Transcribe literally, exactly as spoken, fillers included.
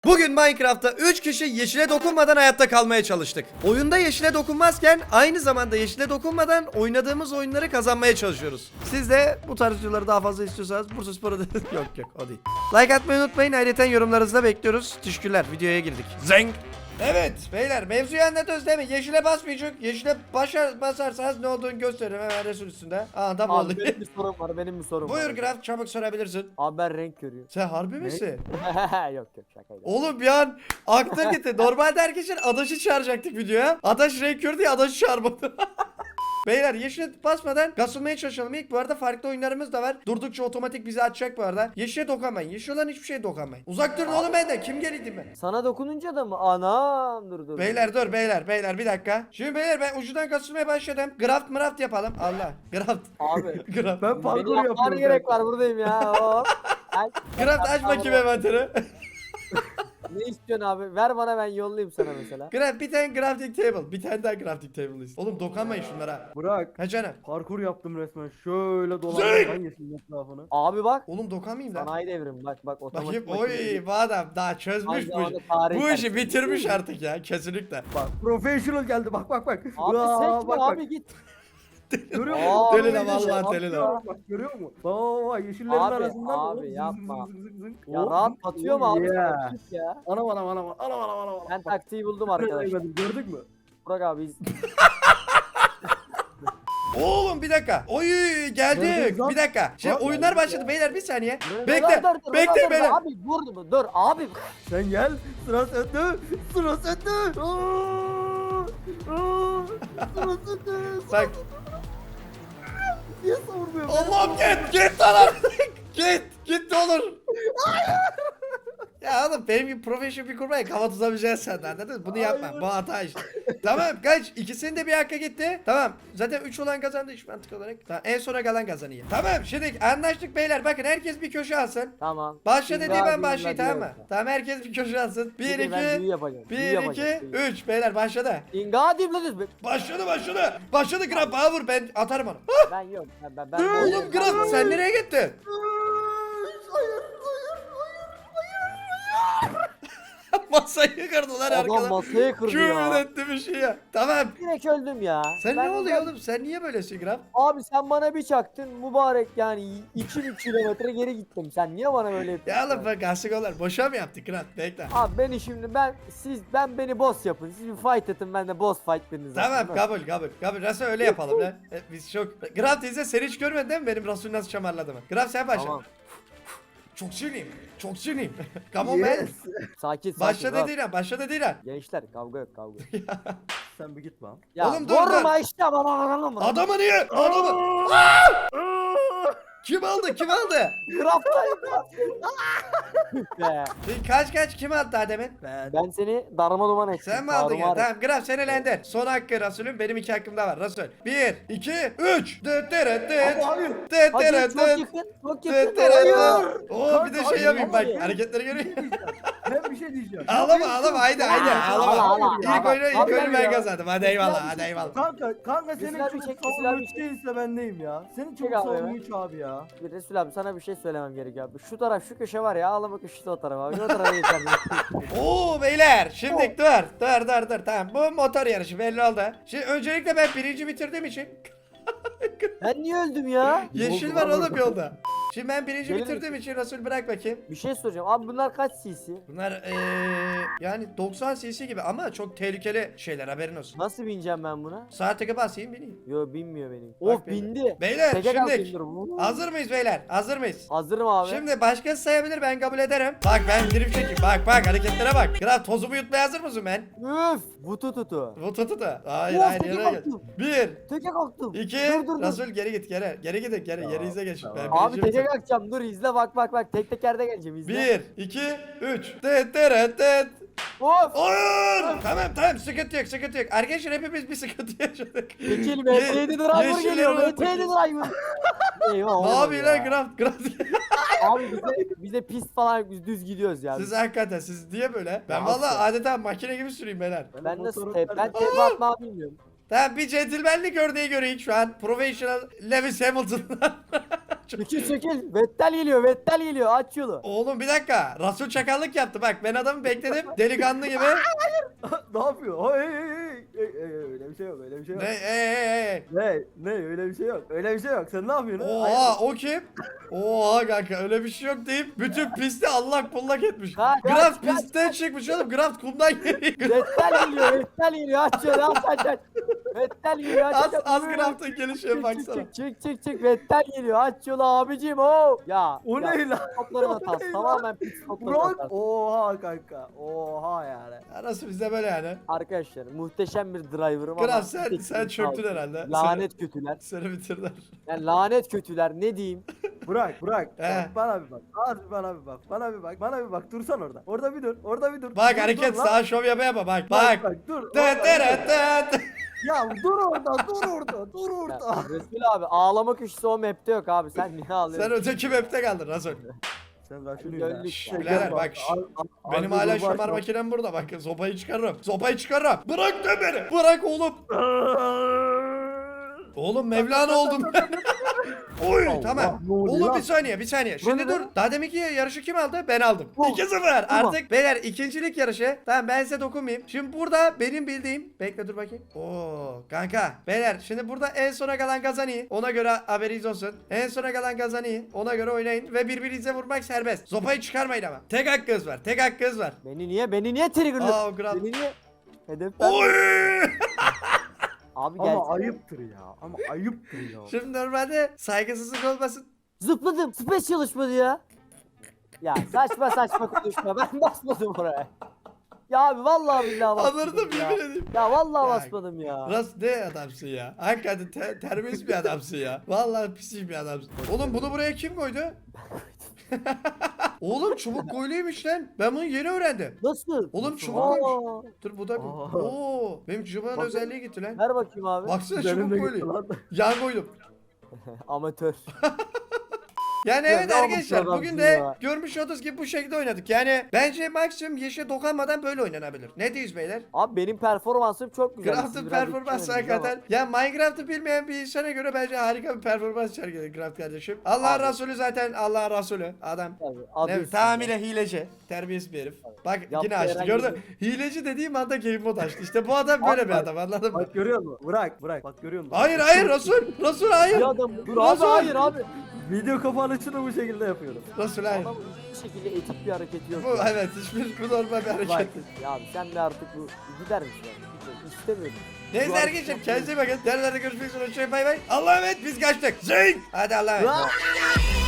Bugün Minecraft'ta üç kişi yeşile dokunmadan hayatta kalmaya çalıştık. Oyunda yeşile dokunmazken aynı zamanda yeşile dokunmadan oynadığımız oyunları kazanmaya çalışıyoruz. Siz de bu tarz videoları daha fazla istiyorsanız Bursaspor'a da... yok yok o değil. Like atmayı unutmayın. Ayrıca yorumlarınızı da bekliyoruz. Teşekkürler. Videoya girdik. Zeng. Evet beyler mevzuyu anlatıyoruz değil mi? Yeşile basmayacak. Yeşile başar, basarsanız ne olduğunu gösteririm hemen resul üstünde. Aa tam oldu. Abi benim bir sorum var benim bir sorum Buyur var. Graf çabuk sorabilirsin. Abi ben renk görüyorum. Sen harbi misin? yok yok şakaydı. Oğlum bir an aklım gitti. Normalde herkesin Adaş'ı çağıracaktık videoya. Adaş renk gördü ya Adaş'ı çağırmadı. Beyler yeşile basmadan kasılmaya çalışalım. İlk bu arada farklı oyunlarımız da var. Durdukça otomatik bizi açacak bu arada. Yeşile dokunmayın. Yeşil olan hiçbir şeye dokunmayın. Uzak durun oğlum benden. Kim geldi ben? Sana dokununca da mı? Anam dur dur. Beyler dur beyler beyler bir dakika. Şimdi beyler ben ucudan kasılmaya başladım. Graft mıraft yapalım. Allah. Graft. Abi. Graft. Ben Beni parkur yapmana yapıyorum. gerek var buradayım ya. Hop. Ay, Graft aç bakayım envanteri. ne istiyorsun abi? Ver bana ben yollayayım sana mesela. Graft bir tane crafting table. Bir tane daha crafting table istiyorum. Oğlum dokunmayın şunlara. Bırak. Ha canım. Parkur yaptım resmen. Şöyle dolandım ben yeşilin etrafını. Abi bak. Oğlum dokunmayayım lan. Sanayi devrim bak bak otomatik. Bakayım oy bu adam daha çözmüş Aynı bu zamanda işi. tarih Bu işi dersi. bitirmiş artık ya kesinlikle. Bak professional geldi bak bak bak. Abi Aa, sen bak, abi bak. git. Görüyor Aa, musun? deli lan, Professional. vallahi deli lan. Bak, bak görüyor musun? Bak bak bak yeşillerin Abi, arasından. abi, hop, zıng, yapma. zıng, zıng, zıng. Ya Hop, rahat zıng, atıyor mu oh abi? yeah. Sana git ya. Anam anam anam anam anam anam. Ben taktiği buldum arkadaşlar. Gördük mü? Burak abi iz- Oğlum bir dakika. Oy geldik. Gördünüz lan. Bir dakika. Şimdi Lan, oyunlar geldik başladı beyler bir saniye. Dur, Bekle. dur, dur, Bekle dur, dur, beyler. Abi dur dur dur abi. Sen gel. Sıra sende. Sıra sende. Aa, aa, Sıra sende. Bak. Niye savurmuyor? Allah'ım git git lan artık. Git git ne olur. Ya oğlum benim gibi profesyonel bir kurmaya kafa tutamayacaksın sen de anladın mı? Bunu yapma. Hayır. Bu hata işte. Tamam kaç? İkisinin de bir hakkı gitti. Tamam. Zaten üç olan kazandı iş mantık olarak. Tamam, en sona kalan kazanıyor. Tamam şimdi anlaştık beyler. Bakın herkes bir köşe alsın. Tamam. Başla Şimdi dediği ben abi, başlayayım ben tamam mı? diyorum. Tamam herkes bir köşe alsın. Bir Şimdi ben büyü iki yapacağım, büyü bir iki yapacağım, büyü. üç beyler başladı. İnga diyeyim lan. Başladı başladı. Başladı Graf bana vur ben atarım onu. Ben yok. Ben ben. ben Oğlum Graf sen nereye gittin? Hayır, Masayı kırdılar Adam arkadan. masayı kırdı Küfür ya. etti bir şey ya. Tamam. Direkt öldüm ya. Sen Ben- ne oluyor ben- oğlum? Sen niye böylesin Graf? Abi sen bana bir çaktın mübarek yani iki bin kilometre geri gittim. Sen niye bana böyle yapıyorsun? Ya oğlum bak asıkolar. Boşa mı yaptık Graf? Bekle. Abi beni şimdi ben siz ben beni boss yapın. Siz bir fight atın ben de boss fight biriniz. Tamam kabul kabul kabul. Nasıl öyle yapalım lan? E, Biz çok... Graf teyze sen hiç görmedin değil mi benim Rasul nasıl şamarladı mı? Graf sen başla. Tamam. Çok sinirliyim. Çok sinirliyim. Come on man. Yes. Sakin sakin. Başla rahat. dediğin an. Başla dediğin an. Gençler kavga yok kavga. yok. Sen bir git lan. Ya Oğlum dur, vurma işte bana anlama. Adamı niye? Adamı. Kim aldı? Kim aldı? Craft'tayım be. E, Kaç kaç kim aldı daha demin? Ben. Ben seni darma duman ettim. Sen mi aldın ya? tarumar ettim. Tamam Graf sen elendin. Son hakkı Rasul'ün. Benim iki hakkım da var. Rasul. Bir, iki, üç. Dıt dırıt dıt. Abi, Dıt Hadi dırıt çok dıt. yakın. Çok Dıt yakın. dırıt Hayır. dıt. Oo bir de şey Hayır, yapayım bak. hayır. Hareketleri görüyor musun? Ben bir şey diyeceğim. Ağlama ağlama haydi haydi Aa, ağlama. ağla, ağla, İlk ağla. oyunu ilk Abi oyunu ben ya. kazandım. Hadi eyvallah hadi eyvallah. Kanka, kanka senin Mesela bir çok çek, mesela bir savunma değilse bendeyim ya. Senin çok Çek abi savunma hemen. üç abi ya. Bir Resul abi sana bir şey söylemem gerekiyor abi. Şu taraf şu köşe var ya ağlama köşesi o taraf abi. O tarafa geçer. Oo beyler şimdi dur dur dur dur tamam bu motor yarışı belli oldu. Şimdi öncelikle ben birinci bitirdiğim için Ben niye öldüm ya? yeşil var oğlum yolda. Şimdi ben birinci Gelin bitirdiğim için Resul bırak bakayım. Bir şey soracağım. Abi bunlar kaç cc? Bunlar eee yani doksan cc gibi ama çok tehlikeli şeyler haberin olsun. Nasıl bineceğim ben buna? Sağa tıkı basayım bineyim. Yo binmiyor benim. Bak Of beyler. bindi. Beyler Teke şimdi kalkayım dur. hazır mıyız beyler? Hazır mıyız? Hazırım abi. Şimdi başkası sayabilir ben kabul ederim. Bak ben drift çekeyim. Bak bak hareketlere bak. Kral tozumu yutmaya hazır mısın ben? Üf. Vutu tutu. Bu tutu da. Hayır Of, hayır teke yere gel. kalktım. Bir. Teke kalktım. İki. Dur dur dur. Rasul geri git geri. Geri gidin geri. Tamam, Geri izle geç. tamam. Ben Abi birinci teke bitirdim. kalkacağım. Dur izle bak bak bak. Tek tekerde geleceğim izle. Bir. iki, Üç. Tıt tırıt tıt. Of. Oyun. Tamam tamam sıkıntı yok sıkıntı yok. Arkadaşlar hepimiz bir sıkıntı yaşadık. Çekil Ye- M T yedi driver yeşilleri geliyor. unuttuk. M T yedi driver. Eyvah Ne olmadı yapıyor lan ya. Graf? Graf. Abi bize, bize pist falan biz düz gidiyoruz ya. Siz hakikaten siz niye böyle? Ben Ya vallahi asla. adeta makine gibi süreyim beyler. Ben nasıl motoru- tep ben tepe atmayı bilmiyorum. Tamam bir centilmenlik örneği göreyim şu an. Professional Lewis Hamilton'dan. Çekil çekil. Vettel geliyor Vettel geliyor aç yolu. Oğlum bir dakika. Rasul çakallık yaptı. Bak ben adamı bekledim. Delikanlı gibi. ne yapıyor? Hey hey hey. Hey, hey, öyle bir şey yok öyle bir şey yok. Ne? Ey ey ey. Ne? Ne? Öyle bir şey yok. Öyle bir şey yok. Sen ne yapıyorsun? Oha o kim? Oha kanka öyle bir şey yok deyip bütün pisti allak bullak etmiş. Kaç, kaç, Graft kaç, pistten çıkmış oğlum. Graft kumdan geliyor. Vettel geliyor Vettel geliyor aç yolu aç aç aç. Vettel geliyor aç Az aç. az Graft'ın gelişine Çık baksana. çık çık çık çık Vettel geliyor aç yolu abicim o. Ya. O ya, ne lan? Stopların O hatası ne tamamen pit stopların Burak. hatası. Oha kanka. Oha yani. Arası bizde böyle yani. Arkadaşlar muhteşem bir driver'ım ama. Graft sen, bir tek sen bir çöktün kaldı. herhalde. Lanet kötüler. Seni, seni bitirdiler. Yani lanet kötüler ne diyeyim. Burak, Burak. He. bak, bana bir bak. Abi bana bir bak. Bana bir bak. Bana bir bak. Dursan orada. Orada bir dur. Orada bir dur. Bak Dur, hareket dur lan. sağa şov yapa yapa bak Bak, bak. bak dur. Tıt Orada, tıt dur. tıt. Ya dur orada. Dur orada. Dur Ya, orada. Resul abi ağlama köşesi o map'te yok abi sen niye Sen ağlıyorsun? öteki map'te kaldın Rasul. Sen bak şunu Döndük ya. ya. Birader bak, şş, Benim hala şomar makinem burada bak. Sopayı çıkarırım. Sopayı çıkarırım. Bırak da beni. Bırak oğlum. Oğlum Mevlana oldum ben. Oy Allah, tamam. ne oluyor Oğlum lan? bir saniye bir saniye. Şimdi ne dur. lan? Daha deminki yarışı kim aldı? Ben aldım. Oh, iki sıfır. tamam. Artık beyler ikincilik yarışı. Tamam ben size dokunmayayım. Şimdi burada benim bildiğim. Bekle dur bakayım. Oo kanka. Beyler şimdi burada en sona kalan kazanıyor. Ona göre haberiniz olsun. En sona kalan kazanıyor. Ona göre oynayın. Ve birbirinize vurmak serbest. Sopayı çıkarmayın ama. Tek hakkınız var. Tek hakkınız var. Beni niye beni niye triggerlıyorsun? Aa, o kral. Beni niye? Hedef ben. Oy! Abi Ama gelsene. ayıptır ya. Ama ayıptır ya. Şimdi normalde saygısızlık olmasın. Zıpladım. Space çalışmadı ya. Ya saçma saçma konuşma. Ben basmadım oraya. Ya abi vallahi billahi basmadım Anırdım ya. yemin edeyim. Ya vallahi Ya, basmadım ya. Ras ne adamsın ya. Hakikaten te terbiyesiz bir adamsın ya. Vallahi pis bir adamsın. Oğlum bunu buraya kim koydu? Oğlum çubuk koyluymuş lan. Ben bunu yeni öğrendim. Nasıl? Oğlum Nasıl? çubuk Aa, koymuş. Dur bu da Aa. Oo, benim çubuğun Bak- özelliği gitti lan. Ver bakayım abi. Baksana Benim de çubuk gitti koyulu. lan. Yan koydum. Amatör. Yani Ya evet ne arkadaşlar yapmış bugün adamsın de ya? görmüş olduğunuz gibi bu şekilde oynadık. Yani bence maksimum yeşe dokunmadan böyle oynanabilir. Ne diyorsunuz beyler? Abi benim performansım çok güzel. Craft'ın Siz biraz performansı yetişemediniz ama. hakikaten. Ya Minecraft'ı bilmeyen bir insana göre bence harika bir performans sergiledi Craft kardeşim. Allah Abi. Resulü zaten Allah Resulü adam. Tabii, adı Ne, üstünde. tamamıyla hileci. Terbiyesiz bir herif. Bak Yaptığı yine açtı. herhangi Gördün. bir- Hileci dediğim anda game mode açtı. İşte bu adam böyle Abi bir bak- adam anladın mı? Bak görüyor musun? Bırak bırak. Bak görüyor musun? Hayır hayır Resul. Resul hayır. Bir adam dur abi Nasıl? hayır abi. Video kapanışını bu şekilde yapıyorum. Resul hayır. Adamın hiçbir şekilde etik bir hareketi yok. Bu ya. evet hiçbir bu normal bir hareket. Bak, değil. ya abi sen de artık bu gider misin? abi? İstemiyorum. Neyse Bu arkadaşlar hareket- kendinize iyi bakın. Derlerde görüşmek üzere. Hoşçakalın bay bay. Allah'a emanet biz kaçtık. Zing. Hadi Allah'a emanet. Lan!